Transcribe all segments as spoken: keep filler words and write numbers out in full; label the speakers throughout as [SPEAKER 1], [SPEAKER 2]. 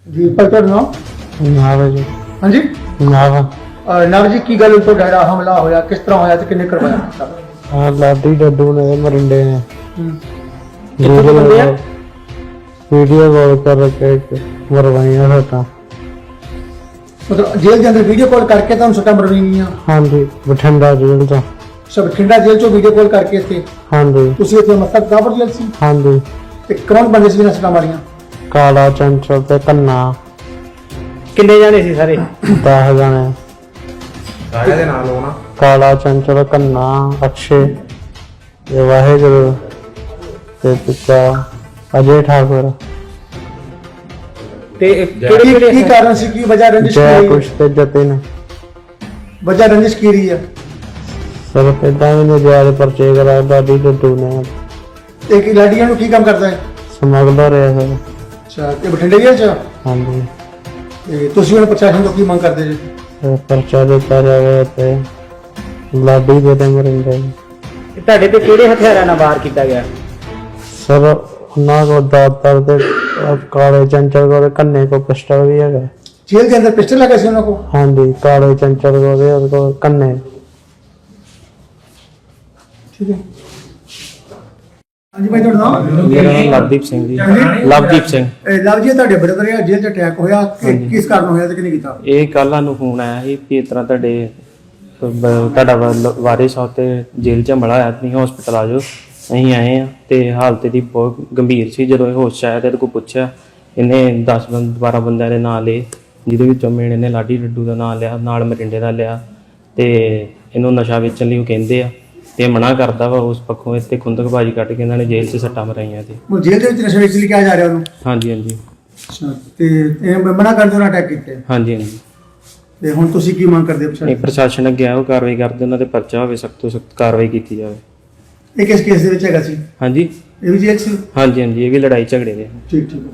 [SPEAKER 1] जी पर ਤੁਹਾਡਾ ਨਾਮ
[SPEAKER 2] ਨਾਵਾ ਜੀ
[SPEAKER 1] ਹਾਂਜੀ
[SPEAKER 2] ਨਾਵਾ
[SPEAKER 1] ਨਵ ਜੀ ਕੀ ਗੱਲ ਤੁਹਾਡਾ ਜਿਹੜਾ ਹਮਲਾ ਹੋਇਆ ਕਿਸ ਤਰ੍ਹਾਂ ਹੋਇਆ ਤੇ ਕਿੰਨੇ ਕਰਵਾਇਆ
[SPEAKER 2] ਆ ਲਾਡੀ ਡੱਡੂ ਨੇ ਮਰਿੰਡੇ ਨੇ
[SPEAKER 1] ਕਿੱਥੋਂ ਦੇ ਬੰਦੇ ਆ
[SPEAKER 2] ਵੀਡੀਓ ਕਾਲ ਕਰ ਕੇ ਮਰਵਾਈਆਂ ਹਟਾ
[SPEAKER 1] ਮਤਲਬ ਜੇਲ੍ਹ ਦੇ ਅੰਦਰ ਵੀਡੀਓ ਕਾਲ ਕਰਕੇ ਤੁਹਾਨੂੰ ਸੱਟਾਂ ਮਰਵਾਈਆਂ
[SPEAKER 2] ਹਾਂਜੀ ਬਠਿੰਡਾ ਜੇਲ੍ਹ ਤੋਂ
[SPEAKER 1] ਸਭ ਬਠਿੰਡਾ ਜੇਲ੍ਹ ਚੋਂ ਵੀਡੀਓ ਕਾਲ ਕਰਕੇ ਇੱਥੇ
[SPEAKER 2] ਹਾਂਜੀ
[SPEAKER 1] ਤੁਸੀਂ ਇੱਥੇ ਮਤਲਬ ਦਾਬਰ ਜੇਲ੍ਹ ਸੀ
[SPEAKER 2] ਹਾਂਜੀ
[SPEAKER 1] ਤੇ ਕੌਣ ਬੰਦੇ ਸੀ ਜਿਹਨਾਂ ਸੱਟਾਂ ਮਾਰੀਆਂ
[SPEAKER 2] ਕਾਲਾ ਚੰਚਲ ਤੇ ਕੰਨਾ
[SPEAKER 1] ਕਿੰਨੇ ਜਾਣੇ ਸੀ ਸਾਰੇ
[SPEAKER 2] ਦਸ ਜਾਣੇ
[SPEAKER 1] ਸਾਰਿਆਂ ਦੇ ਨਾਲ ਹੋਣਾ
[SPEAKER 2] ਕਾਲਾ ਚੰਚਲ ਕੰਨਾ ਅਕਸ਼ੇ ਤੇ ਵਾਹਿਗੁਰੂ ਤੇ ਪਿਤਾ ਅਜੇ ਠਾਕੁਰ
[SPEAKER 1] ਤੇ ਕਿਹੜੇ ਕਿਹੜੇ ਕੀ ਕਾਰਨ ਸੀ ਕੀ ਵਜ੍ਹਾ ਰੰਜਿਸ਼
[SPEAKER 2] ਜੈ
[SPEAKER 1] ਕੀ
[SPEAKER 2] ਕੁਛ ਤੇ ਜਤਿਨ
[SPEAKER 1] ਵਜ੍ਹਾ ਰੰਜਿਸ਼ ਕੀ ਰਹੀ ਹੈ
[SPEAKER 2] ਸਰ ਪਿਤਾ ਨੇ ਜਿਆਦਾ ਪਰਚੇ ਕਰਾ ਦਾਦੀ ਡੱਡੂ ਨੇ
[SPEAKER 1] ਤੇ ਕੀ ਲਾਡੀਆਂ ਨੂੰ ਕੀ ਕੰਮ ਕਰਦਾ ਹੈ
[SPEAKER 2] ਸਮਗਲਰ ਹੈ ਸਰ
[SPEAKER 1] ਅੱਛਾ ਤੇ ਬਠਿੰਡੇ ਜੇਲ੍ਹ ਚ
[SPEAKER 2] ਹਾਂਜੀ
[SPEAKER 1] ਤੇ ਤੁਸੀਂ ਹੁਣ ਪ੍ਰਸ਼ਾਸਨ ਤੋਂ ਕੀ ਮੰਗ ਕਰਦੇ ਜੀ
[SPEAKER 2] ਤੇ ਪਰਚਾ ਦਿੱਤਾ ਜਾਵੇ ਤੇ ਲਾਡੀ ਦੇ ਤੇ ਮਰਿੰਡੇ
[SPEAKER 1] ਤੁਹਾਡੇ ਤੇ ਕਿਹੜੇ ਹਥਿਆਰਾਂ ਨਾਲ ਵਾਰ ਕੀਤਾ ਗਿਆ
[SPEAKER 2] ਸਰ ਉਹਨਾਂ ਕੋ ਦਾਤਰ ਤੇ ਕਾਲੇ ਚੰਚਲ ਕੋ ਕੰਨੇ ਕੋ ਪਿਸਟਲ ਵੀ ਹੈਗਾ
[SPEAKER 1] ਜੇਲ੍ਹ ਦੇ ਅੰਦਰ ਪਿਸਟਲ ਲੱਗਾ ਸੀ ਉਹਨਾਂ ਕੋਲ
[SPEAKER 2] ਹਾਂਜੀ ਕਾਲੇ ਚੰਚਲ ਕੋ ਦੇ ਉਹਦੇ ਕੋਲ ਕੰਨੇ
[SPEAKER 1] ਠੀਕ ਹੈ ਹਾਂਜੀ ਭਾਈ ਤੁਹਾਡਾ ਨਾਮ
[SPEAKER 2] ਮੇਰਾ ਨਾਮ ਲਵਦੀਪ ਸਿੰਘ ਜੀ ਲਵਦੀਪ ਸਿੰਘ
[SPEAKER 1] ਇਹ ਲਵ ਜੀ ਤੁਹਾਡੇ ਬ੍ਰਦਰ ਆ ਜੇਲ੍ਹ ਚ ਅਟੈਕ ਹੋਇਆ ਕਿ- ਕਿਸ ਕਾਰਨ ਹੋਇਆ ਤੇ ਕਿਹਨੇ ਕੀਤਾ
[SPEAKER 2] ਇਹ ਕੱਲ ਸਾਨੂੰ ਫੋਨ ਆਇਆ ਸੀ ਕਿ ਇਸ ਤਰ੍ਹਾਂ ਤੁਹਾਡੇ ਬ- ਤੁਹਾਡਾ ਵਾ- ਵਾਰਿਸ ਆ ਤੇ ਜੇਲ੍ਹ ਚ ਹਮਲਾ ਹੋਇਆ ਤੁਸੀਂ ਹਸਪੀਟਲ ਆ ਜਾਓ ਅਸੀਂ ਆਏ ਆ ਤੇ ਹਾਲਤ ਦੀ ਬਹੁਤ ਗੰਭੀਰ ਸੀ ਜਦੋਂ ਇਹ ਹੋਸ਼ 'ਚ ਆਇਆ ਤੇ ਇਹਦੇ ਕੋਲ ਪੁੱਛਿਆ ਇਹਨੇ ਦਸ ਬਾਰਾਂ ਬੰਦਿਆਂ ਦੇ ਨਾਂ ਲਏ ਜਿਹਦੇ ਵਿੱਚੋਂ ਮੇਨ ਇਹਨੇ ਲਾਡੀ ਡੱਡੂ ਦਾ ਨਾਂ ਲਿਆ ਨਾਲ ਮਰਿੰਡੇ ਦਾ ਲਿਆ ਤੇ ਇਹਨੂੰ ਨਸ਼ਾ ਵੇਚਣ ਲਈ ਉਹ ਕਹਿੰਦੇ ਆ ਤੇ ਮਨਾ ਕਰਦਾ ਵਾ ਉਸ ਪੱਖੋਂ ਇੱਥੇ ਖੁੰਦਕਬਾਜੀ ਕੱਢ ਕੇ ਇਹਨਾਂ ਨੇ ਜੇਲ੍ਹ 'ਚ ਸੱਟਾਂ ਮਰਾਈਆਂ ਤੇ
[SPEAKER 1] ਉਹ ਜੇਲ੍ਹ ਦੇ ਵਿੱਚ ਨਸ਼ਾ ਵੇਚ ਲਈ ਕਿਹਾ ਜਾ ਰਿਹਾ ਉਹਨੂੰ
[SPEAKER 2] ਹਾਂਜੀ ਹਾਂਜੀ
[SPEAKER 1] ਅੱਛਾ ਤੇ ਇਹ ਮਨਾ ਕਰਦੇ ਉਹਨਾਂ ਅਟੈਕ ਕੀਤੇ
[SPEAKER 2] ਹਾਂਜੀ ਹਾਂਜੀ
[SPEAKER 1] ਤੇ ਹੁਣ ਤੁਸੀਂ ਕੀ ਮੰਗ ਕਰਦੇ ਹੋ
[SPEAKER 2] ਇਹ
[SPEAKER 1] ਪ੍ਰਸ਼ਾਸਨ
[SPEAKER 2] ਪ੍ਰਸ਼ਾਸਨ ਅੱਗੇ ਆਓ ਕਾਰਵਾਈ ਕਰਦੇ ਉਹਨਾਂ ਤੇ ਪਰਚਾ ਹੋਵੇ ਸਖਤ ਤੋਂ ਸਖਤ ਕਾਰਵਾਈ ਕੀਤੀ ਜਾਵੇ
[SPEAKER 1] ਇਹ ਕਿਸ ਕੇਸ ਦੇ ਵਿੱਚ ਹੈਗਾ ਸੀ
[SPEAKER 2] ਹਾਂਜੀ
[SPEAKER 1] ਇਹ ਵੀ ਜੇਲ੍ਹ ਸੀ
[SPEAKER 2] ਹਾਂਜੀ ਹਾਂਜੀ ਇਹ ਵੀ ਲੜਾਈ ਝਗੜੇ ਦੇ
[SPEAKER 1] ਠੀਕ ਠੀਕ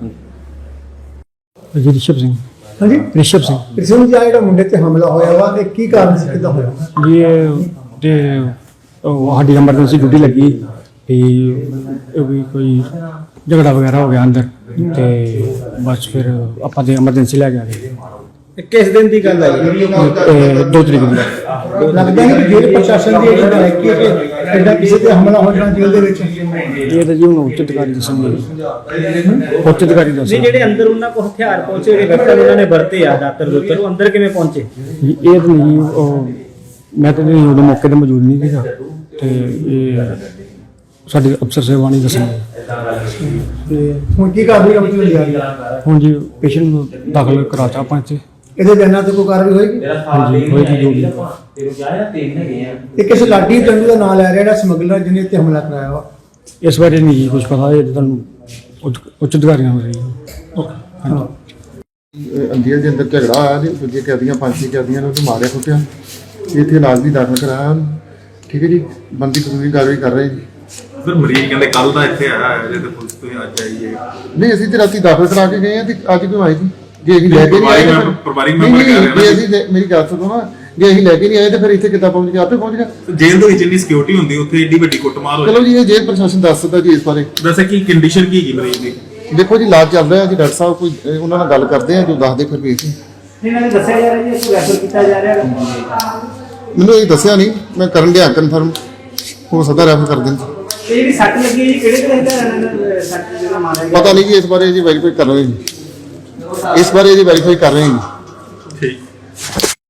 [SPEAKER 3] ਜੀ ਰਿਸ਼ਭ ਸਿੰਘ
[SPEAKER 1] ਹਾਂਜੀ
[SPEAKER 3] ਰਿਸ਼ਭ ਸਿੰਘ
[SPEAKER 1] ਰਿਸ਼ਮ ਜੀ ਆ ਜਿਹੜਾ ਮੁੰਡੇ ਤੇ ਹਮਲਾ ਹੋਇਆ ਵਾ ਇਹ ਕੀ ਕਾਰਨ ਸੀ ਕਿੱਦਾਂ ਹੋਇਆ
[SPEAKER 3] ਜੀ ਇਹ ਤੇ ਉਹ ਸਾਡੀ ਐਮਰਜੈਂਸੀ ਡਿਊਟੀ ਲੱਗੀ ਵੀ ਇਹ ਵੀ ਕੋਈ ਝਗੜਾ ਵਗੈਰਾ ਹੋ ਗਿਆ ਅੰਦਰ ਤੇ ਬਸ ਫਿਰ ਆਪਾਂ ਤੇ ਐਮਰਜੈਂਸੀ ਲੈ ਕੇ ਆ ਗਏ
[SPEAKER 1] ਕਿਸ ਦਿਨ ਦੀ ਗੱਲ ਹੈ
[SPEAKER 3] ਤੇ ਦੋ ਤਰੀਕ ਨੂੰ
[SPEAKER 1] ਲੱਗਦਾ ਹੈ ਕਿ ਜੇਲ੍ਹ ਪ੍ਰਸ਼ਾਸਨ ਦੀ ਇਹ ਗੱਲ ਹੈ ਕਿ ਐਡਾ ਕਿਸੇ ਤੇ ਹਮਲਾ ਹੋ ਜਾਣਾ ਜੇਲ੍ਹ ਦੇ ਵਿੱਚ
[SPEAKER 3] ਇਹ ਤਾਂ ਜੀ ਹੁਣ ਉੱਚ ਅਧਿਕਾਰੀ ਦੱਸਣਗੇ ਉੱਚ ਅਧਿਕਾਰੀ ਦੱਸਣਗੇ
[SPEAKER 4] ਨਹੀਂ ਜਿਹੜੇ ਅੰਦਰ ਉਹਨਾਂ ਕੋਲ ਹਥਿਆਰ ਪਹੁੰਚੇ ਜਿਹੜੇ ਕੱਟਣ ਉਹਨਾਂ ਨੇ ਵਰਤੇ ਆ ਦਾਤਰ ਦੁੱਤਰ ਉਹ ਅੰਦਰ ਕਿਵੇਂ ਪਹੁੰਚੇ
[SPEAKER 3] ਜੀ, ਇਹ ਤਾਂ ਨਹੀਂ ਉਹ ਮੈਂ ਤਾਂ ਨਹੀਂ ਉਦੋਂ ਮੌਕੇ ਤੇ ਮੌਜੂਦ ਨਹੀਂ ਸੀਗਾ ਤੇ ਇਹ ਸਾਡੇ ਅਫਸਰ ਸਾਹਿਬਾਨ ਹੀ ਦੱਸਣਗੇ
[SPEAKER 1] ਤੇ ਹੁਣ ਕੀ ਕਾਰਵਾਈ ਕੰਮ ਚੱਲ ਰਹੀ ਹੈ
[SPEAKER 3] ਹੁਣ ਜੀ ਪੇਸ਼ੈਂਟ ਨੂੰ ਦਾਖਲ ਕਰਾਤਾ ਆਪਾਂ ਇੱਥੇ
[SPEAKER 1] ਇਹਦੇ ਬਿਆਨਾਂ ਤੇ ਕੋਈ ਕਾਰਵਾਈ ਹੋਏਗੀ
[SPEAKER 3] ਹਾਂਜੀ ਹੋਏਗੀ ਜੋ ਵੀ
[SPEAKER 1] ਇਹ ਕਿਸੇ ਲਾਡੀ ਟੰਡੂ ਦਾ ਨਾਮ ਲੈ ਰਿਹਾ ਜਿਹੜਾ ਸਮਗਲਰ ਜਿਹਨੇ ਤੇ ਹਮਲਾ ਕਰਾਇਆ ਵਾ
[SPEAKER 3] ਇਸ ਬਾਰੇ ਨਹੀਂ ਜੀ ਕੁਝ ਪਤਾ ਇਹ ਤਾਂ ਤੁਹਾਨੂੰ ਉੱਚ ਉੱਚ ਅਧਿਕਾਰੀਆਂ ਹੋ ਰਹੀ ਹਾਂਜੀ
[SPEAKER 5] ਅੰਦਰ ਦੇ ਅੰਦਰ ਝਗੜਾ ਆਇਆ ਤੇ ਦੂਜੇ ਕੈਦੀਆਂ ਪੰਜ ਛੇ ਕੈਦੀਆਂ ਨੂੰ ਮਾਰਿਆ ਕੁੱਟਿਆ ਇੱਥੇ ਇਲਾਜ ਵੀ ਦਾਖਲ ਕਰਾਇਆ ਉਹਨੂੰ। ਠੀਕ ਹੈ ਜੀ ਬੰਦੀ ਕਾਨੂੰਨੀ ਕਾਰਵਾਈ ਕਰ ਰਹੇ ਜੀ
[SPEAKER 6] ਫਿਰ ਮਰੀਜ਼ ਕਹਿੰਦੇ ਕੱਲ ਦਾ ਇੱਥੇ ਆਇਆ ਹੈ ਜੇ ਤੇ ਪੁਲਿਸ ਤੋਂ ਅੱਜ ਆਈਏ
[SPEAKER 5] ਨਹੀਂ ਅਸੀਂ ਤੇ ਰਾਤੀ ਦਾਖਲ ਕਰਾ ਕੇ ਗਏ ਆ ਤੇ ਅੱਜ ਕਿਉਂ ਆਏ ਜੀ ਜੇ ਅਸੀਂ ਲੈ ਕੇ ਨਹੀਂ ਆਏ ਤਾਂ ਫਿਰ-
[SPEAKER 6] ਪਰਿਵਾਰਿਕ
[SPEAKER 5] ਨਹੀਂ,
[SPEAKER 6] ਮੈਂਬਰ ਕਹਿ ਰਹੇ
[SPEAKER 5] ਨਹੀਂ,
[SPEAKER 6] ਨੇ
[SPEAKER 5] ਜੇ ਅਸੀਂ ਲੈ- ਮੇਰੀ ਗੱਲ ਸੁਣੋ ਨਾ ਜੇ ਅਸੀਂ ਲੈ ਕੇ ਨਹੀਂ ਆਏ ਤਾਂ ਫਿਰ ਇੱਥੇ ਕਿੱਦਾਂ ਪਹੁੰਚ ਗਿਆ ਆਪੇ ਪਹੁੰਚ ਗਿਆ
[SPEAKER 6] ਜੇਲ੍ਹ ਦੇ ਵਿੱਚ ਇੰਨੀ ਸਿਕਿਉਰਿਟੀ ਹੁੰਦੀ ਉੱਥੇ ਏਡੀ ਵੱਡੀ ਕੁੱਟਮਾਰ ਹੋ
[SPEAKER 5] ਚਲੋ ਜੀ ਇਹ ਜੇਲ੍ਹ ਪ੍ਰਸ਼ਾਸਨ ਦੱਸ ਸਕਦਾ ਜੀ ਇਸ ਬਾਰੇ
[SPEAKER 6] ਵੈਸੇ ਕੀ ਕੰਡੀਸ਼ਨ ਕੀ ਹੈਗੀ ਮਰੀਜ਼ ਦੀ
[SPEAKER 5] ਦੇਖੋ ਜੀ ਇਲਾਜ ਚੱਲ ਰਿਹਾ ਜੀ ਡਾਕਟਰ ਸਾਹਿਬ ਕੋਈ ਅਹ, ਉਹਨਾਂ ਨਾਲ ਗੱਲ ਕਰਦੇ ਆ ਜੋ ਦੱਸਦੇ ਫਿਰ ਵੀ ਅਸੀਂ
[SPEAKER 4] ਇਹਨਾਂ ਨੇ ਦੱਸਿਆ ਜਾ ਰਿਹਾ ਜੀ ਇਸ ਰੈਫਰ ਕੀਤਾ ਜਾ ਰਿਹਾ
[SPEAKER 5] ਮੈਨੂੰ ਇਹ ਦੱਸਿਆ ਨਹੀਂ ਮੈਂ ਕਰਨ ਗਿਆ ਕਨਫਰਮ ਹੋ ਸਕਦਾ ਰੈਫਰ ਕਰ ਦੇਣ
[SPEAKER 4] ਇਹ ਜਿਹੜੀ ਸੱਟ ਲੱਗੀ ਹੈ ਜੀ ਕਿਹੜੇ ਕਿਹੜੇ ਹਥਿਆਰਾਂ ਨਾਲ ਸੱਟ ਜਿਹੜਾ ਮਾਰਿਆ ਗਿਆ
[SPEAKER 5] ਪਤਾ ਨਹੀਂ ਜੀ ਇਸ ਬਾਰੇ ਜੀ ਵੈਰੀਫਾਈ ਕਰ ਰਹੇ ਜੀ ਇਸ ਬਾਰੇ ਜੀ ਵੈਰੀਫਾਈ ਕਰ ਰਹੇ ਜੀ
[SPEAKER 6] ਠੀਕ